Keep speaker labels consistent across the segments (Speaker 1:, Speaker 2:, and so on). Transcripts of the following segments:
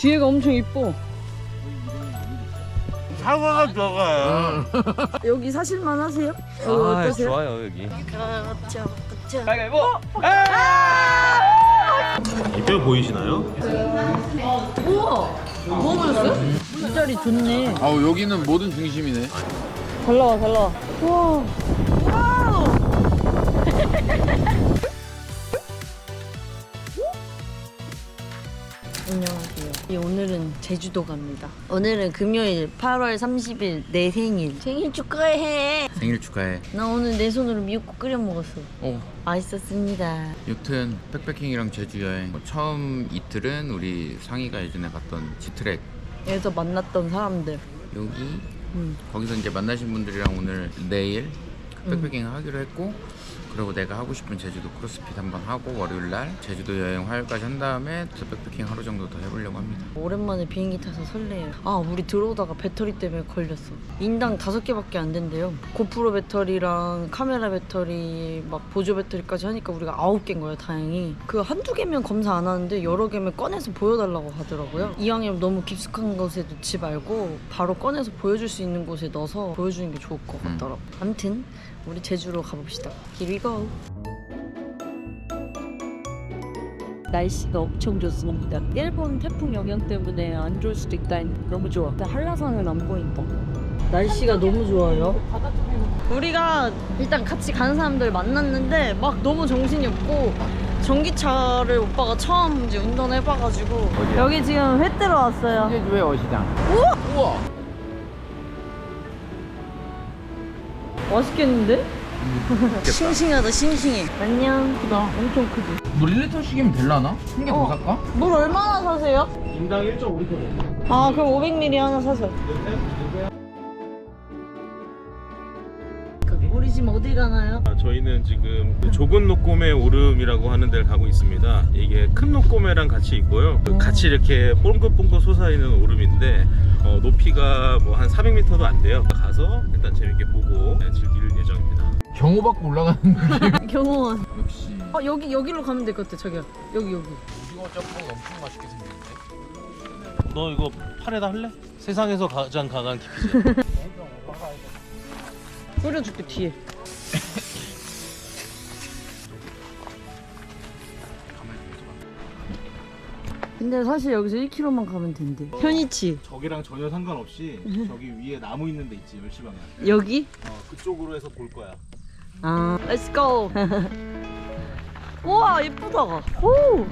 Speaker 1: 뒤에가 엄청 이뻐.
Speaker 2: 사과가 들어가요.
Speaker 1: 여기 사실만 하세요? 어떠세요?
Speaker 2: 좋아요 여기.
Speaker 1: 그렇죠.
Speaker 2: 가위바위보. 이뼈 보이시나요?
Speaker 1: 우와! 뭐 먹었어요? 이 자리 좋네.
Speaker 3: 아 여기는 모든 중심이네.
Speaker 1: 잘 나와, 잘 나와. 우와! 와우! 안녕하세요. 오늘은 제주도 갑니다. 오늘은 금요일 8월 30일 내 생일. 생일 축하해.
Speaker 3: 생일 축하해.
Speaker 1: 나 오늘 내 손으로 미역국 끓여 먹었어. 맛있었습니다.
Speaker 3: 여튼 백패킹이랑 제주 여행 처음 이틀은 우리 상희가 예전에 갔던 지트랙
Speaker 1: 여기서 만났던 사람들.
Speaker 3: 여기 거기서 이제 만나신 분들이랑 오늘 내일 백패킹 하기로 했고, 그리고 내가 하고 싶은 제주도 크로스핏 한번 하고 월요일날 제주도 여행 화요일까지 한 다음에 또 백패킹 하루 정도 더 해보려고 합니다.
Speaker 1: 오랜만에 비행기 타서 설레요. 아, 우리 들어오다가 배터리 때문에 걸렸어. 인당 5개밖에 안 된대요. 고프로 배터리랑 카메라 배터리 막 보조 배터리까지 하니까 우리가 9개인 거예요. 다행히. 그 한두 개면 검사 안 하는데 여러 개면 꺼내서 보여달라고 하더라고요. 이왕이면 너무 깊숙한 곳에 놓지 말고 바로 꺼내서 보여줄 수 있는 곳에 넣어서 보여주는 게 좋을 것 같더라고. 아무튼 우리 제주로 가봅시다. Here we go.
Speaker 4: 날씨가 엄청 좋습니다. 일본 태풍 영향 때문에 안 좋을 수도 있다. 너무 좋아. 한라산은 안 보인다.
Speaker 1: 날씨가 너무 좋아요. 우리가 일단 같이 가는 사람들 만났는데 막 너무 정신이 없고, 전기차를 오빠가 처음 이제 운전해봐가지고
Speaker 3: 어디야?
Speaker 1: 여기 지금 회 뜨러 왔어요.
Speaker 3: 제주의 어시장. 우와!
Speaker 1: 맛있겠는데? 싱싱하다, 싱싱해. 안녕.
Speaker 3: 크다.
Speaker 1: 엄청 크지?
Speaker 3: 물 1리터씩이면 될라나? 한 개 더 살까?
Speaker 1: 물 얼마나 사세요?
Speaker 2: 인당 1.5리터.
Speaker 1: 아, 그럼 500ml 하나 사세요. 우리 지금 어디 가나요?
Speaker 2: 저희는 지금 조군 노꼬메 오름이라고 하는 데를 가고 있습니다. 이게 큰 노꼬메랑 같이 있고요. 같이 이렇게 뽕긋뽕긋 솟아있는 오름인데 높이가 뭐 한 400m도 안 돼요. 가서 일단 재밌게 보고 즐길 예정입니다.
Speaker 3: 경호 받고 올라가는 느낌.
Speaker 1: 경호원.
Speaker 3: 역시
Speaker 1: 여기로 가면 될 것 같아, 자기야. 여기.
Speaker 3: 오징어 짬뽕이 엄청 맛있게 생겼네.
Speaker 2: 너 이거 팔에다 할래? 세상에서 가장 강한 깊이지.
Speaker 1: 끓여줄게, 뒤에. 근데 사실 여기서 1km만 가면 된대. 편이치.
Speaker 2: 저기랑 전혀 상관없이 저기 위에 나무 있는 데 있지, 멸치방아.
Speaker 1: 여기?
Speaker 2: 그쪽으로 해서 볼 거야.
Speaker 1: 아, let's go. 우와, 예쁘다. 오.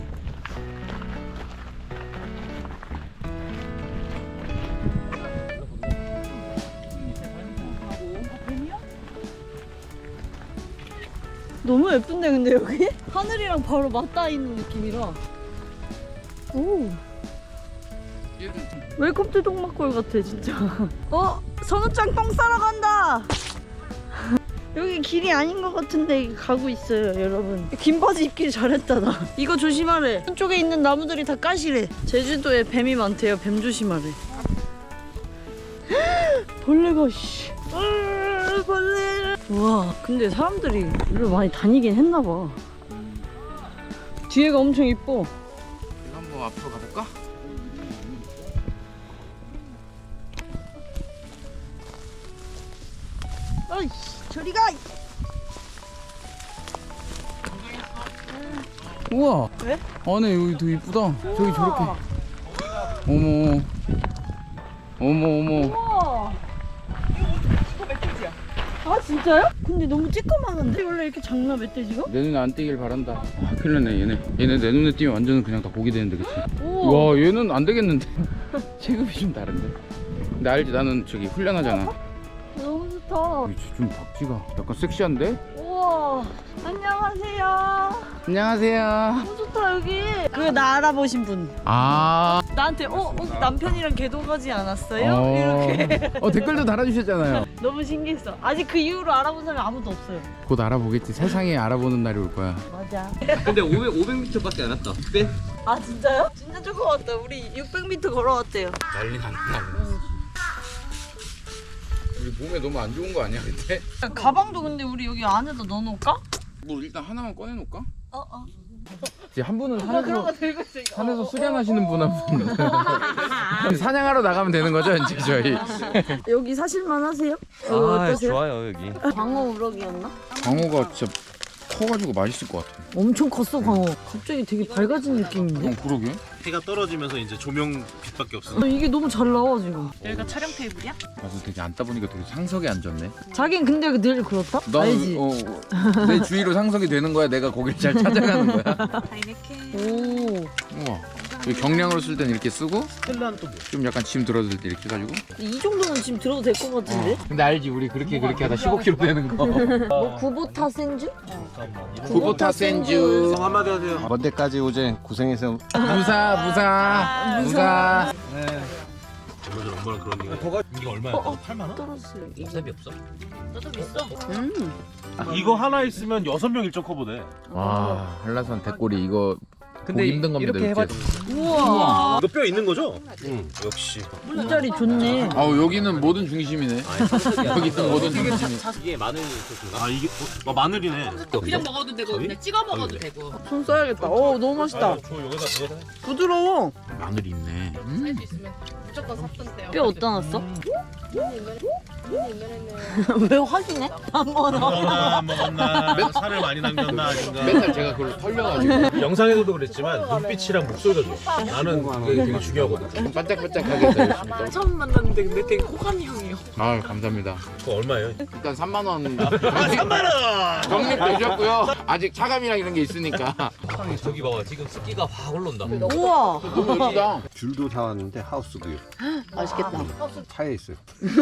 Speaker 1: 너무 예쁜데 근데 여기? 하늘이랑 바로 맞닿아 있는 느낌이라. 오. 웰컴 투 동막골 같아 진짜. 선우짱 똥 싸러 간다. 여기 길이 아닌 것 같은데 가고 있어요 여러분. 긴 바지 입길 잘했다 나. 이거 조심하래. 한쪽에 있는 나무들이 다 까시래. 제주도에 뱀이 많대요. 뱀 조심하래. 벌레가 씨. 벌레. 와, 근데 사람들이 일로 많이 다니긴 했나봐. 뒤에가 엄청 이뻐.
Speaker 3: 이거 한번 앞으로 가볼까?
Speaker 1: 어이씨, 저리 가.
Speaker 3: 우와.
Speaker 1: 왜?
Speaker 3: 안에 여기 되게 이쁘다. 저기 저렇게. 어머. 어머.
Speaker 1: 우와. 이거 멧돼지야. 아 진짜요? 근데 너무 쬐끄만한데? 원래 이렇게 작나 멧돼지가?
Speaker 3: 내 눈에 안 띄길 바란다. 아, 큰일 났네 얘네 내 눈에 띄면 완전 그냥 다 고기 되는데, 그치?
Speaker 1: 우와.
Speaker 3: 와 얘는 안 되겠는데. 체급이 좀 다른데. 근데 알지, 나는 저기 훈련하잖아.
Speaker 1: 너무 좋다.
Speaker 3: 좀 박쥐가 약간 섹시한데?
Speaker 1: 우와. 안녕하세요.
Speaker 3: 안녕하세요.
Speaker 1: 너무 좋다 여기. 그 나 알아보신 분.
Speaker 3: 아.
Speaker 1: 나한테 남편이랑 개도 가지 않았어요? 이렇게.
Speaker 3: 댓글도 달아주셨잖아요.
Speaker 1: 너무 신기했어. 아직 그 이후로 알아본 사람이 아무도 없어요.
Speaker 3: 곧 알아보겠지. 세상에 알아보는 날이 올 거야.
Speaker 1: 맞아.
Speaker 2: 근데 500m밖에 안 왔다. 꽤?
Speaker 1: 아 진짜요? 진짜 조금 왔다. 우리 600m 걸어왔대요.
Speaker 3: 난리 났다. 우리 몸에 너무 안 좋은 거 아니야 그때?
Speaker 1: 가방도 근데 우리 여기 안에다 넣어놓을까?
Speaker 3: 뭐 일단 하나만 꺼내놓을까? 한 분은 산에서 수련하시는 분 한 분. 사냥하러 나가면 되는 거죠, 이제 저희.
Speaker 1: 여기 사실만 하세요? 여기 어떠세요?
Speaker 2: 좋아요 여기.
Speaker 1: 광어 우럭이었나?
Speaker 3: 광어가 진짜 커가지고 맛있을 것 같아.
Speaker 1: 엄청 컸어 광어. 갑자기 되게 밝아진 느낌인데?
Speaker 3: 그러게.
Speaker 2: 해가 떨어지면서 이제 조명 빛밖에 없어.
Speaker 1: 이게 너무 잘 나와 지금.
Speaker 5: 여기가 촬영 테이블이야?
Speaker 3: 맞아, 되게 앉다 보니까 되게 상석에 앉았네.
Speaker 1: 자긴 근데 늘 그렇다? 알지?
Speaker 3: 내 주위로 상석이 되는 거야. 내가 거기를 잘 찾아가는 거야.
Speaker 5: 다이네케.
Speaker 1: 오.
Speaker 3: 우와. 여기 경량으로 쓸 때는 이렇게 쓰고
Speaker 2: 스텔라는 또 뭐?
Speaker 3: 좀 약간 짐 들어줄 때 이렇게 해가지고.
Speaker 1: 이 정도는 지금 들어도 될 것 같은데?
Speaker 3: 근데 알지, 우리 그렇게 하다 15kg 되는 거.
Speaker 1: 뭐 구보타 센주?
Speaker 3: 구보타 센주.
Speaker 2: 한마디 하세요.
Speaker 6: 먼 데까지 오제 고생해서
Speaker 3: 무사.
Speaker 2: 얼마 전 엄마랑 그런 얘기. 이게 얼마야? 8만 원?
Speaker 1: 떨어졌어요.
Speaker 2: 인사비 없어?
Speaker 5: 너도 있어?
Speaker 2: 이거 하나 있으면 6명 일정 커보네.
Speaker 3: 와, 한라산 대꼬리 이거 보기 힘든 겁니다. 이렇게.
Speaker 1: 우와.
Speaker 2: 이거 뼈 있는 거죠? 응. 역시.
Speaker 1: 이 자리 좋네.
Speaker 3: 여기는 모든 중심이네. 여기 있던 모든 중심이.
Speaker 2: 이게 마늘이 아 이게 마늘이네.
Speaker 5: 그냥 먹어도 되고 그냥 찍어 먹어도 되고.
Speaker 1: 손 써야겠다. 너무 맛있다.
Speaker 2: 여기다.
Speaker 1: 부드러워.
Speaker 3: 마늘이 있네.
Speaker 5: 할 수 있으면 무조건 샀던데요.
Speaker 1: 뼈 어디다 놨어? 왜 확인해? 안 먹어.
Speaker 2: 먹었나? 살을 많이 남겼나 아닌가?
Speaker 3: 맨날 제가 그걸 털려가지고
Speaker 2: 영상에서도 그랬지만 눈빛이랑 목소리가 좋아. 나는 그게 되게 중요하거든.
Speaker 3: 반짝반짝하게 해서 열심히 떠.
Speaker 5: 처음 만났는데 근데 되게 호감이 형이요.
Speaker 3: 아, 감사합니다.
Speaker 2: 그거 얼마예요?
Speaker 3: 일단 3만 원.
Speaker 2: 3만 원.
Speaker 3: 적립되셨고요. 아직 차감이랑 이런 게 있으니까.
Speaker 7: 저기 봐봐 지금 습기가 확 올라온다.
Speaker 1: 우와.
Speaker 3: 너무 멋지다.
Speaker 6: 귤도 사왔는데 하우스구이
Speaker 1: 맛있겠다.
Speaker 6: 차에 있어요.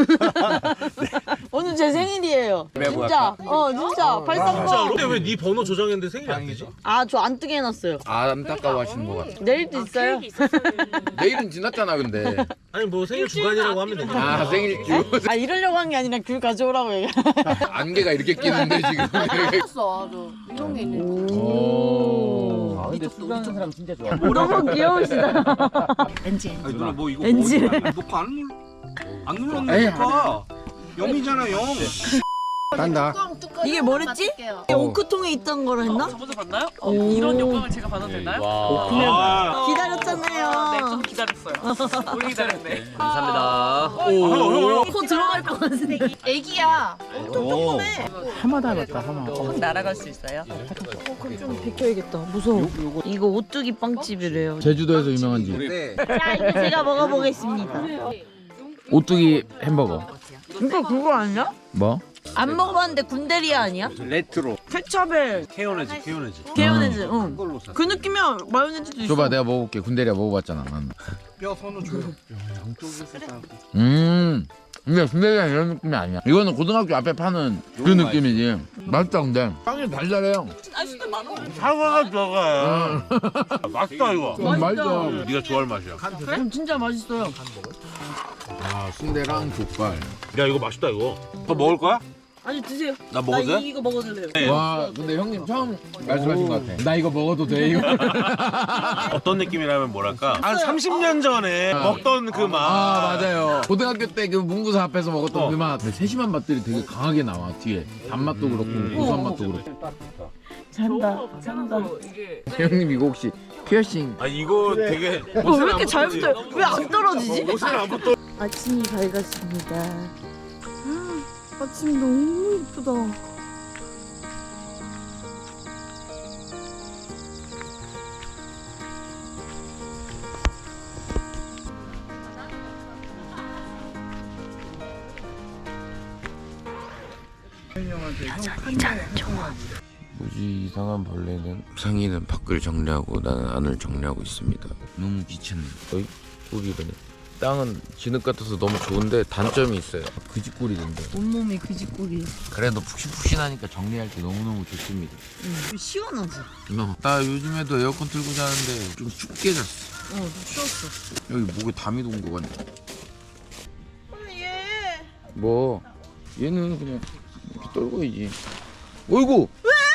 Speaker 1: 오늘 제 생일이에요. 진짜. 진짜. 발상과.
Speaker 2: 근데 왜 네 번호 저장했는데 생일이 안 되지?
Speaker 1: 저 안 뜨게 해놨어요.
Speaker 3: 안타까워 하시는 것 같아.
Speaker 1: 내일도 있어요.
Speaker 3: 내일은 지났잖아, 근데.
Speaker 2: 아니 뭐 생일 주간이라고 하면 되지.
Speaker 3: 생일주.
Speaker 1: 이러려고 한 게 아니라 귤 가져오라고 얘기해.
Speaker 3: 안개가 이렇게 끼는데, 지금.
Speaker 5: 이런 게 있네.
Speaker 3: 오. 근데 술 하는 사람 진짜 좋아.
Speaker 1: 너무 귀여우시다.
Speaker 5: 엔지.
Speaker 8: 아니 누나 뭐 이거
Speaker 1: 엔지.
Speaker 8: 안 눌렀네. 봐. 0이잖아 0.
Speaker 6: 딴다.
Speaker 1: 이게 뭐랬지? 이게 오크통에 있던 거라 했나?
Speaker 5: 저번에 봤나요?
Speaker 1: 오.
Speaker 5: 이런 영광을 제가 받아도 되나요?
Speaker 2: 아,
Speaker 5: 네,
Speaker 1: 기다렸잖아요.
Speaker 5: 좀 기다렸어요. 오래 기다렸네.
Speaker 7: 감사합니다.
Speaker 1: 코 들어갈 것 같은데.
Speaker 5: 애기야.
Speaker 3: 하마 닮았다, 하마.
Speaker 5: 확 날아갈 수 있어요?
Speaker 1: 좀 비켜야겠다. 무서워. 이거 오뚜기 빵집이래요.
Speaker 3: 제주도에서 유명한 집.
Speaker 1: 자, 이거 제가 먹어보겠습니다.
Speaker 3: 오뚜기 햄버거.
Speaker 1: 이거 그거 아니야?
Speaker 3: 뭐?
Speaker 1: 안 먹어봤는데 군대리아 아니야?
Speaker 6: 레트로.
Speaker 1: 케찹에
Speaker 2: 케요네즈.
Speaker 1: 케요네즈. 응. 그 느낌이야. 마요네즈도 있어.
Speaker 3: 줘봐, 내가 먹어볼게. 군대리아 먹어봤잖아, 난.
Speaker 6: 뼈 손을 줘요.
Speaker 3: 근데 군대리아 이런 느낌이 아니야. 이거는 고등학교 앞에 파는 그 느낌이지. 맛있다, 근데. 빵이 달달해요.
Speaker 2: 사과가 들어가. 맛있다 이거.
Speaker 3: 맛있어.
Speaker 2: 네가 좋아할 맛이야.
Speaker 1: 진짜 맛있어요.
Speaker 3: 아, 순대랑 족발.
Speaker 2: 야 이거 맛있다 이거. 너 먹을 거야?
Speaker 1: 아니 드세요.
Speaker 2: 나 먹어도 돼?
Speaker 1: 이거 먹어도 돼요.
Speaker 3: 와, 근데 형님 처음 말씀하신 것 같아. 나 이거 먹어도 돼, 이거.
Speaker 2: 어떤 느낌이라면 뭐랄까 한 30년 전에 먹던 그 맛.
Speaker 3: 아, 맞아요. 고등학교 때 그 문구사 앞에서 먹었던 그 맛. 근데 세심한 맛들이 되게 강하게 나와, 뒤에. 단맛도 그렇고, 고소한 맛도 그렇고.
Speaker 1: 잔다.
Speaker 3: 형님, 이거 혹시 피어싱?
Speaker 2: 아 이거 되게
Speaker 1: 왜 이렇게 잘 붙어요? 왜 안 떨어지지?
Speaker 2: 옷을 안 붙어.
Speaker 1: 아침이 밝았습니다. 아침 너무 이쁘다.
Speaker 3: 뭐지, 이상한 벌레는 상이는 밖을 정리하고 나는 안을 정리하고 있습니다. 너무 귀찮네. 어이? 꿀이라네. 땅은 진흙 같아서 너무 좋은데 단점이 있어요. 그지꿀이던데.
Speaker 1: 온몸이 그지꿀이.
Speaker 3: 그래도 푹신푹신하니까 정리할 때 너무너무 좋습니다.
Speaker 1: 시원하지?
Speaker 3: 나 요즘에도 에어컨 틀고 자는데 좀 춥게 잤어.
Speaker 1: 추웠어.
Speaker 3: 여기 목에 담이 돈 거 같네.
Speaker 1: 얘.
Speaker 3: 뭐 얘는 그냥 이렇게 떨고이지. 어이구.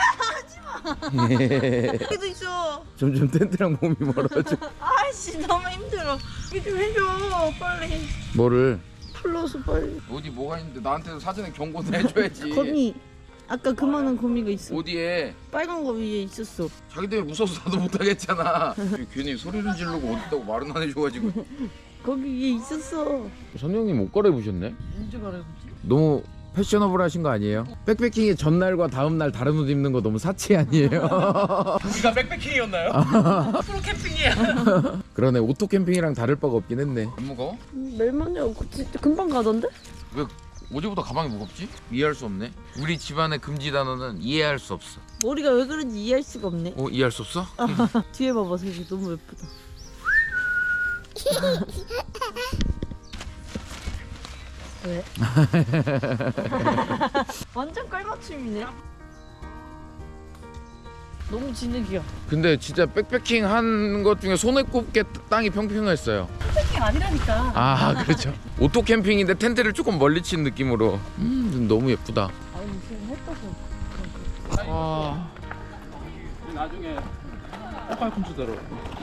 Speaker 1: 여기도 있어.
Speaker 3: 점점 텐트랑 몸이 멀어져.
Speaker 1: 아이씨 너무 힘들어. 이거 좀 해줘 빨리.
Speaker 3: 뭐를?
Speaker 1: 풀러서 빨리.
Speaker 3: 어디 뭐가 있는데 나한테도 사전에 경고는 해줘야지.
Speaker 1: 거미. 아까 그만한 거미가 있어.
Speaker 3: 어디에?
Speaker 1: 빨간 거 위에 있었어.
Speaker 3: 자기 때문에 무서워서 나도 못하겠잖아. 괜히 소리를 지르고 어딨다고 말은 안 해줘가지고.
Speaker 1: 거기 위에 있었어.
Speaker 3: 선영님 옷 갈아입으셨네?
Speaker 1: 언제 갈아입지?
Speaker 3: 너무 패셔너블 하신 거 아니에요? 백패킹의 전날과 다음날 다른 옷 입는 거 너무 사치 아니에요?
Speaker 8: 우리가 백패킹이었나요?
Speaker 5: 프로 캠핑이야.
Speaker 3: 그러네, 오토 캠핑이랑 다를 바가 없긴 했네. 안 무거워?
Speaker 1: 멜만이야. 진짜 금방 가던데?
Speaker 3: 왜 어제보다 가방이 무겁지? 이해할 수 없네. 우리 집안의 금지 단어는 이해할 수 없어.
Speaker 1: 머리가 왜 그런지 이해할 수가 없네.
Speaker 3: 이해할 수 없어?
Speaker 1: 뒤에 봐봐, 색이 너무 예쁘다. 왜? 완전 깔맞춤이네. 너무 진흙이야.
Speaker 3: 근데 진짜 백패킹 한 것 중에 손에 꼽게 땅이 평평했어요.
Speaker 5: 캠핑 아니라니까.
Speaker 3: 아 그렇죠. 오토 캠핑인데 텐트를 조금 멀리 친 느낌으로. 너무 예쁘다.
Speaker 1: 아니 지금 해 떠서.
Speaker 3: 아,
Speaker 8: 나중에 팔꿈치대로.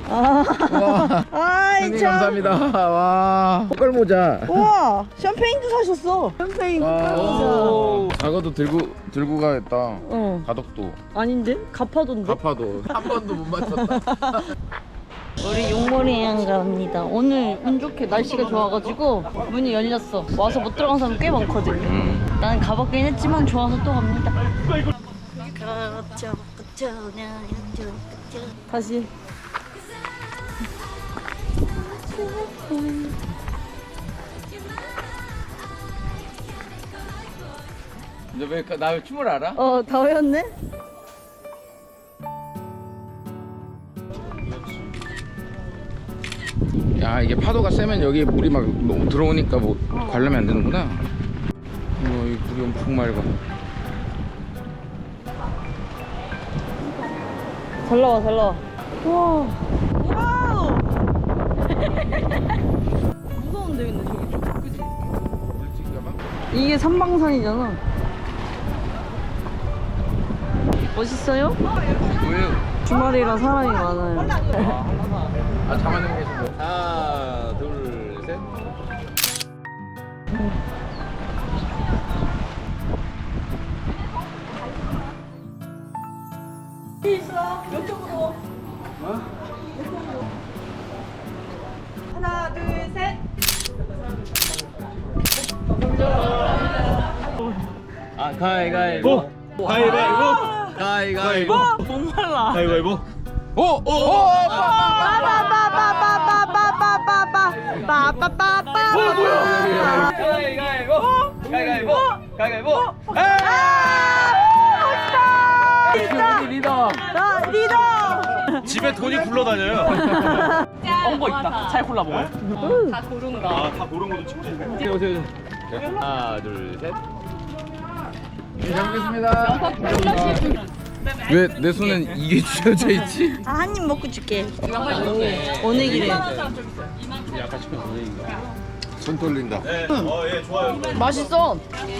Speaker 1: 아이
Speaker 3: 선생님 감사합니다. 와, 꽃갈 모자.
Speaker 1: 우와, 샴페인도 사셨어. 샴페인
Speaker 3: 오, 작아도 들고 가겠다.
Speaker 1: 어,
Speaker 3: 가덕도,
Speaker 1: 아닌데? 가파도인데?
Speaker 3: 가파도 한 번도 못 맞췄다.
Speaker 1: 우리 용머리양 갑니다. 오늘 운 좋게 날씨가 좋아가지고 문이 열렸어. 와서 못 들어간 사람 꽤 많거든요. 나는 가봤긴 했지만 좋아서 또 갑니다. 다시.
Speaker 3: 너왜나 춤을 알아?
Speaker 1: 다 외웠네?
Speaker 3: 야, 이게 파도가 세면 여기 물이 막 들어오니까 뭐 관람이 안 되는구나. 이 물이 엄청 맑아.
Speaker 1: 잘 나와, 잘 나와. 우와. 와우. 무서운데 근데 저기 좀 그지? 이게 삼방산이잖아. 멋있어요?
Speaker 3: 뭐예요?
Speaker 1: 주말이라 사람이 많아요.
Speaker 3: 아, 자만형 계시고.
Speaker 7: 하나 둘 셋.
Speaker 5: 하나, 둘, 셋.
Speaker 7: 아 가위가위보.
Speaker 8: 가위바위보.
Speaker 7: 가위가위보.
Speaker 1: 목말라.
Speaker 8: 가위바위보.
Speaker 3: 오!
Speaker 7: 가위가위보. 가위가위보. 가위가위보.
Speaker 3: 리더.
Speaker 1: 나 리더.
Speaker 8: 집에 돈이 굴러다녀요.
Speaker 5: 거 있다. 잘 골라 먹어요. 다 고른 거.
Speaker 8: 아, 다 고른 것도 찍지.
Speaker 7: 오세요 오세요. 하나 둘 셋.
Speaker 3: 잘 먹겠습니다. 왜 내 손엔 이게 쥐어져 있지?
Speaker 1: 한 입 먹고 줄게. 오네기래.
Speaker 6: 손 떨린다.
Speaker 8: 네. 예, 좋아요.
Speaker 1: 맛있어.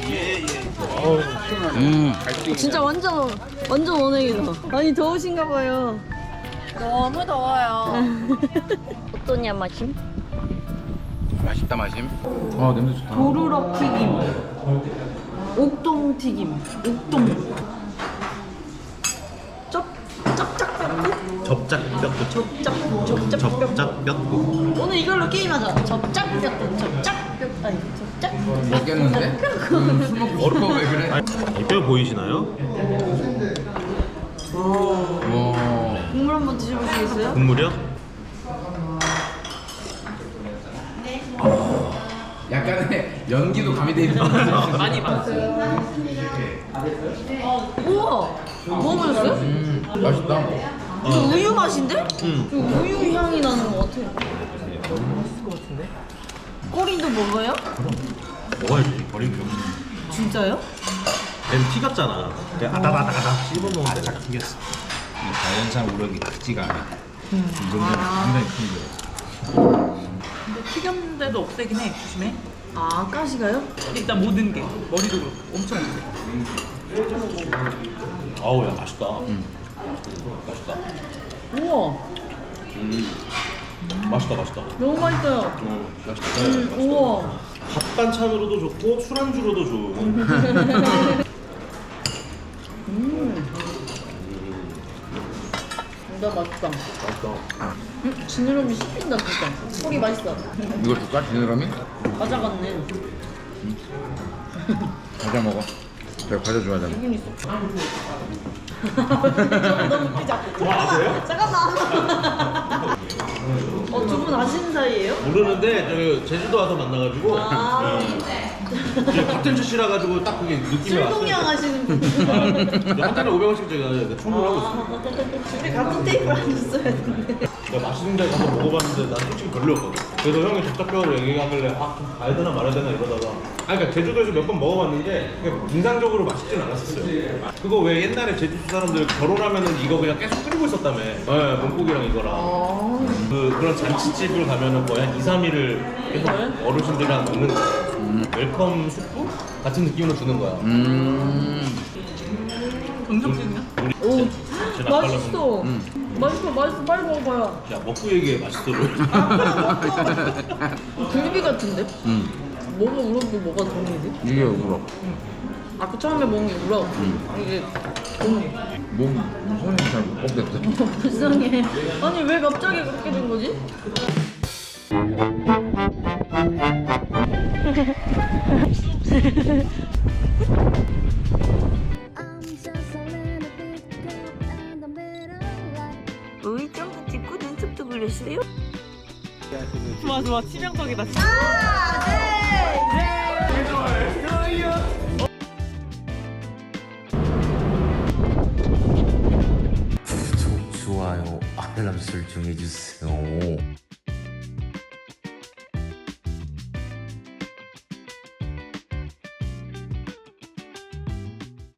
Speaker 3: 음.
Speaker 1: 진짜 완전 오네기다. 아니 더우신가 봐요.
Speaker 5: 너무 더워요.
Speaker 1: 어떠냐 마심?
Speaker 3: 맛있다 마심. 아 냄새 좋다.
Speaker 1: 도루럭 튀김. 옥동 튀김. 옥동.
Speaker 8: 접짝뼈국.
Speaker 1: 오늘 이걸로 게임하자. 접짝뼈. 접짝뼈. 아니 접짝.
Speaker 3: 먹겠는데? 술 먹고 얼어 왜 그래?
Speaker 8: 뼈 보이시나요?
Speaker 3: 와.
Speaker 1: 국물 한번 드셔보시겠어요?
Speaker 8: 국물이요?
Speaker 3: 약간의 연기도 가미돼 있는 거 같아.
Speaker 5: 많이 봤어요.
Speaker 1: 우와. 먹어보셨어요?
Speaker 3: 맛있다.
Speaker 1: 이거 우유 맛인데? 이거 우유 향이 나는 것 같아. 맛있을 것 같은데? 꼬리도 먹어요?
Speaker 8: 먹어야지. 버리면 병신.
Speaker 1: 진짜요?
Speaker 8: 얘는 피 같잖아. 아다다다다 씹어먹으면 딱 생겼어. 자연산 우럭이 크지가 않아. 이 정도면 상당히 큰 거.
Speaker 5: 근데 튀겼는데도 없애긴 해. 조심해.
Speaker 1: 아 가시가요?
Speaker 5: 일단 모든 게 머리도 그렇고 엄청 못해.
Speaker 8: 아우, 야, 맛있다. 맛있다.
Speaker 1: 우와.
Speaker 8: 맛있다.
Speaker 1: 너무 맛있어요.
Speaker 8: 맛있다.
Speaker 1: 우와.
Speaker 8: 밥 반찬으로도 좋고 술안주로도 좋은.
Speaker 1: 나 맛있다. 지느러미 씹힌다 진짜. 소리 맛있어.
Speaker 3: 이거 줄까? 지느러미?
Speaker 1: 가져갔네.
Speaker 3: 과자 먹어. 내가 과자 좋아하잖아.
Speaker 1: 기분이 쏙. 너무 웃기지 않고. 잠깐만. 두 분 아시는 사이예요?
Speaker 8: 모르는데 제주도 와서 만나가지고 같은 출시라 가지고 딱 그게 느낌이
Speaker 1: 술동양
Speaker 8: 왔어요.
Speaker 1: 하시는 분.
Speaker 8: 한 잔에 500원씩 제가 충분하고 있어.
Speaker 1: 우리 같은 테이블 앉았어야 했는데.
Speaker 8: 내가 맛있는 데 가서 먹어봤는데 난 솔직히 별로였거든. 그래서 형이 적적벽으로 얘기하길래 좀 가야 되나 말아야 되나 이러다가 그러니까 제주도에서 몇 번 먹어봤는데 그냥 인상적으로 맛있진 않았었어요. 그거 왜 옛날에 제주도 사람들 결혼하면은 이거 그냥 계속 끓이고 있었다며. 네, 몸국이랑 이거랑. 그런 잔치집을 가면은 거의 한 2, 3일을 계속 어르신들이랑 먹는 거야. 웰컴 수프? 같은 느낌으로 주는 거야.
Speaker 5: 음식이냐?
Speaker 1: 오,
Speaker 8: 진짜
Speaker 1: 맛있어. 맛있어. 빨리 먹어봐요.
Speaker 8: 야 먹고 얘기해 맛있어를.
Speaker 1: 굴비 같은데? 뭐가 우럭도 뭐가 동이지?
Speaker 3: 이게 우럭.
Speaker 1: 아까 처음에 먹은 게 우럭. 이게 동.
Speaker 3: 손이 잘못 꼽겠다.
Speaker 1: 불쌍해. 아니 왜 갑자기 그렇게 된 거지? 우리 점프 찍고 눈썹도 그렸어요?
Speaker 5: 좋아 치명적이다.
Speaker 9: 구독, 좋아요, 알람 설정해주세요.